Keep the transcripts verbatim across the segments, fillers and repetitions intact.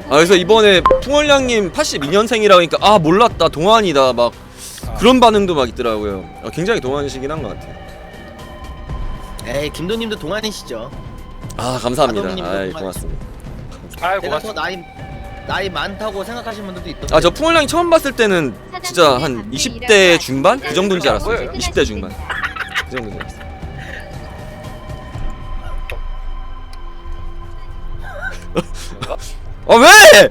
아 그래서 이번에 풍월량님 팔십이 년생이라 하니까 아 몰랐다 동안이다 막 아. 그런 반응도 막 있더라고요. 아, 굉장히 동안이시긴 한 것 같아요. 에이 김도님도 동안이시죠. 아 감사합니다. 아동님도 아이 동안. 고맙습니다. 아이 제가 더 고맙습니다. 나이 나이 많다고 생각하시는 분들도 있던데. 아 저 풍월량이 처음 봤을 때는 진짜 한 이십 대 중반? 그 정도인지 알았어요. 이십 대 중반 그 정도인지 알았어요. 아 왜?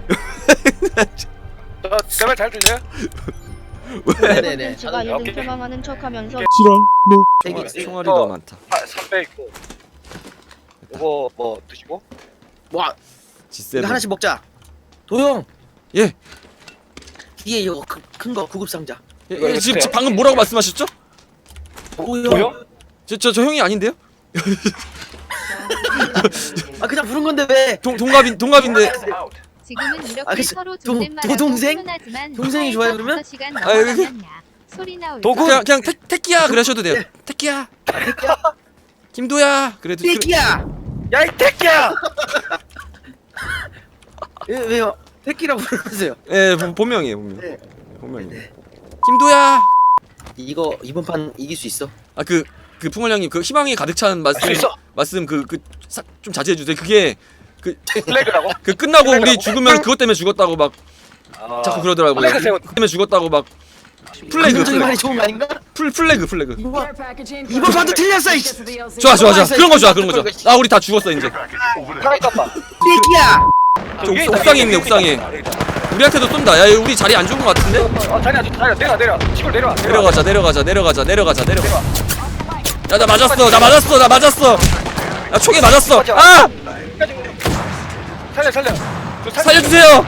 제 말 잘 들려요? 왜? 네네네. 제가 오케이. 요즘 경험하는 척하면서 되게 총알이, 총알이 더 많다. 삼백 있고. 이거 뭐 드시고? 와 지 이거 세븐. 하나씩 먹자. 도영 예. 뒤에 이거 큰 거 구급 상자. 예, 예, 지금, 지금 방금 뭐라고 말씀하셨죠? 도영. 도영? 저 저 저 형이 아닌데요? 아 그냥 부른 건데 왜? 동 동갑인 동갑인데. 지금은 이렇게 아, 그, 서로 도- 존댓말하고 도동생? 훈훈하지만 동생이 좋아요, 그러면? 다섯 시간 아, 여기- 넘어가면 야 소리 나올 도구? 그냥 그냥 태, 태키야 그러셔도 돼요. 태키야. 김도야. 그래도 그, 태키야. 야 이 새끼야! 왜 왜요? 태키라고 부르세요. 예 본- 본명이에요 본명. 네. 본명이에요. 김도야. 이거 이번 판 이길 수 있어. 아 그 그 풍월량님 그 희망이 가득 찬 말씀 할수 있어. 말씀 그 그 좀 자제해 주세요. 그게 그 플래그라고? 그 끝나고 우리 플래그라고? 죽으면 그것 때문에 죽었다고 막 아, 자꾸 그러더라고요. 플래그 세워. 그것 때문에 죽었다고 막 플래그 긍정적인 말이 플래그 좋은 거 아닌가? 풀 플래그 플래그. 이거 이번 판도 틀렸어. 이씨. 좋아 좋아 좋아 그런 거 좋아 그런 거 좋아. 아 우리 다 죽었어 이제. 하나 깜빡. 태키야. 저 옥- 옥상에 있네 옥상에. 우리한테도 쏜다. 야 우리 자리 안 좋은 거 같은데? 아 자리 안 좋. 자리 내려 내려. 시골 내려와. 내려가자 내려가자 내려가자 내려가자 내려가. 야 나 맞았어 나 맞았어 나 맞았어. 야 총에 맞았어. 아 살려 살려. 저 살려. 살려주세요.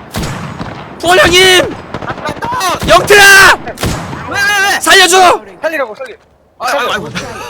풍월량님 영태야 왜왜 왜? 살려줘. 살리라고 살리. 아 아이고.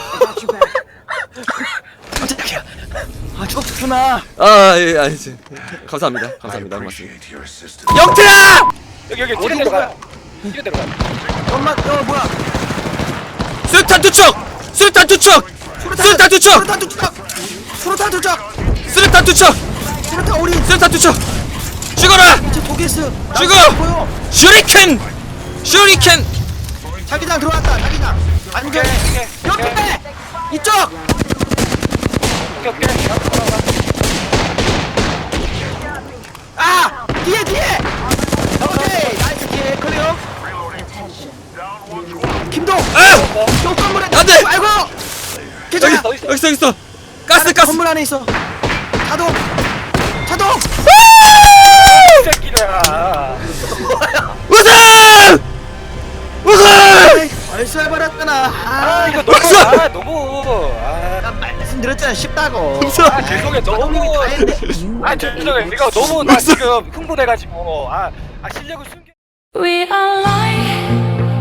깜짝이야. 아 좋구나. 아예 아니지. 감사합니다 감사합니다 고맙습니다. 영태야 여기 여기 뒤로 내려가. 뒤로 내려가. 엄마 어 뭐야? 수류탄 투척 수류탄 투척 수류탄 투척 수류탄 투척. 수류탄 투척. 수류탄 투척 수류탄 우리 수류탄 투척 죽어라 저 독일스. 죽어! 보여. 슈리켄 슈리켄. 자기장 들어왔다. 자기장. 안전. 오케이 오케이. 옆에 이쪽. 오케이 오케이. 아 뒤에 뒤에. 오케이 나이스 뒤에 클리어. 김동. 아 쪽 건물에. 안 돼! 아이고. 여기 괜찮아. 어디 있어? 여기 있어 여기 있어 가스 가스. 건물 안에 있어. 자동. 자동. 이 새끼들아. 우승 우승. 벌써해버렸잖아. 아 아 이거 너무 아 너무 아. 나 말씀드렸잖아 쉽다고. 아 죄송해 너무 아 죄송해 내가 너무 나 지금 흥분해가지고 아, 아 실력을 숨겨 We are light.